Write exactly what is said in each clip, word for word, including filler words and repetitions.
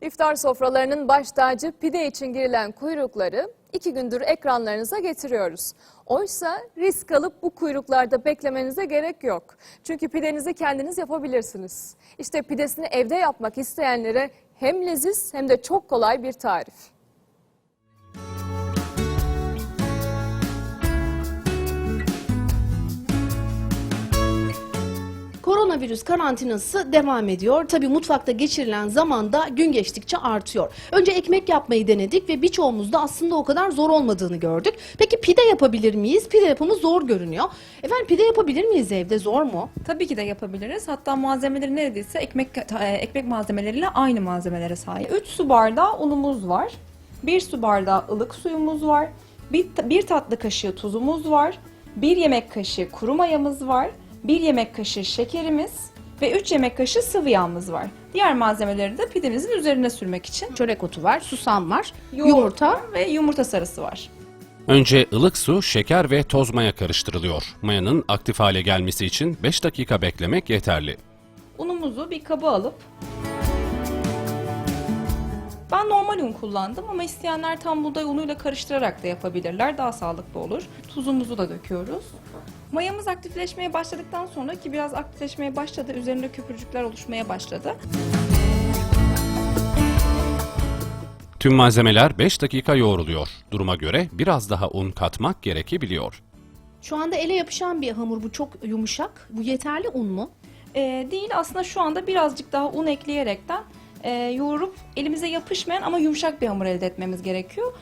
İftar sofralarının baş tacı pide için girilen kuyrukları iki gündür ekranlarınıza getiriyoruz. Oysa risk alıp bu kuyruklarda beklemenize gerek yok. Çünkü pidenizi kendiniz yapabilirsiniz. İşte pidesini evde yapmak isteyenlere hem leziz hem de çok kolay bir tarif. Koronavirüs karantinası devam ediyor. Tabii mutfakta geçirilen zaman da gün geçtikçe artıyor. Önce ekmek yapmayı denedik ve birçoğumuz da aslında o kadar zor olmadığını gördük. Peki pide yapabilir miyiz? Pide yapımı zor görünüyor. Efendim pide yapabilir miyiz evde? Zor mu? Tabii ki de yapabiliriz. Hatta malzemeleri neredeyse ekmek ekmek malzemeleriyle aynı malzemelere sahip. üç su bardağı unumuz var. bir su bardağı ılık suyumuz var. bir, bir tatlı kaşığı tuzumuz var. bir yemek kaşığı kuru mayamız var. bir yemek kaşığı şekerimiz ve üç yemek kaşığı sıvı yağımız var. Diğer malzemeleri de pidemizin üzerine sürmek için Çörek otu var, susam var, yoğurt yumurta. var ve yumurta sarısı var. Önce ılık su, şeker ve toz maya karıştırılıyor. Mayanın aktif hale gelmesi için beş dakika beklemek yeterli. Unumuzu bir kaba alıp, ben normal un kullandım ama isteyenler tam buğday unuyla karıştırarak da yapabilirler. Daha sağlıklı olur. Tuzumuzu da döküyoruz. Mayamız aktifleşmeye başladıktan sonra, ki biraz aktifleşmeye başladı, üzerinde köpürcükler oluşmaya başladı. Tüm malzemeler beş dakika yoğruluyor. Duruma göre biraz daha un katmak gerekebiliyor. Şu anda ele yapışan bir hamur, bu çok yumuşak. Bu yeterli un mu? Ee, değil, aslında şu anda birazcık daha un ekleyerekten e, yoğurup elimize yapışmayan ama yumuşak bir hamur elde etmemiz gerekiyor.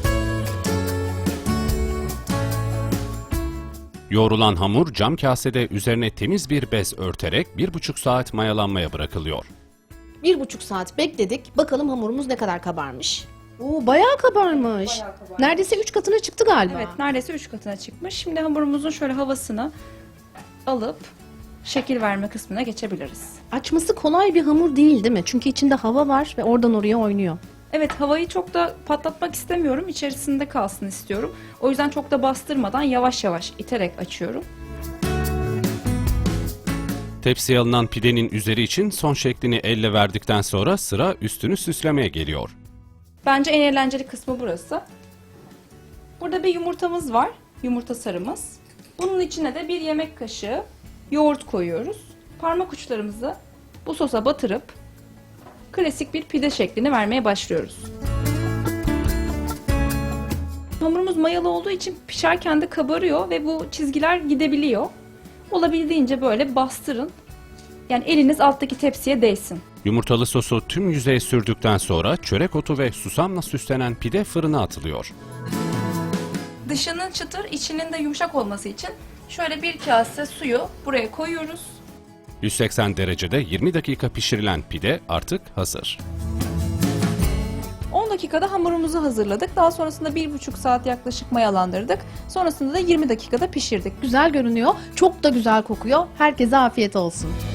Yoğrulan hamur cam kasede üzerine temiz bir bez örterek bir buçuk saat mayalanmaya bırakılıyor. Bir buçuk saat bekledik. Bakalım hamurumuz ne kadar kabarmış. Oo, bayağı kabarmış. Bayağı kabarmış. Neredeyse üç katına çıktı galiba. Evet, neredeyse üç katına çıkmış. Şimdi hamurumuzun şöyle havasını alıp şekil verme kısmına geçebiliriz. Açması kolay bir hamur değil değil mi? Çünkü içinde hava var ve oradan oraya oynuyor. Evet, havayı çok da patlatmak istemiyorum. İçerisinde kalsın istiyorum. O yüzden çok da bastırmadan yavaş yavaş iterek açıyorum. Tepsiye alınan pidenin üzeri için son şeklini elle verdikten sonra sıra üstünü süslemeye geliyor. Bence en eğlenceli kısmı burası. Burada bir yumurtamız var. Yumurta sarımız. Bunun içine de bir yemek kaşığı yoğurt koyuyoruz. Parmak uçlarımızı bu sosa batırıp klasik bir pide şeklini vermeye başlıyoruz. Hamurumuz mayalı olduğu için pişerken de kabarıyor ve bu çizgiler gidebiliyor. Olabildiğince böyle bastırın. Yani eliniz alttaki tepsiye değsin. Yumurtalı sosu tüm yüzeye sürdükten sonra çörek otu ve susamla süslenen pide fırına atılıyor. Dışının çıtır, içinin de yumuşak olması için şöyle bir kase suyu buraya koyuyoruz. yüz seksen derecede yirmi dakika pişirilen pide artık hazır. on dakikada hamurumuzu hazırladık. Daha sonrasında bir buçuk saat yaklaşık mayalandırdık. Sonrasında da yirmi dakikada pişirdik. Güzel görünüyor. Çok da güzel kokuyor. Herkese afiyet olsun.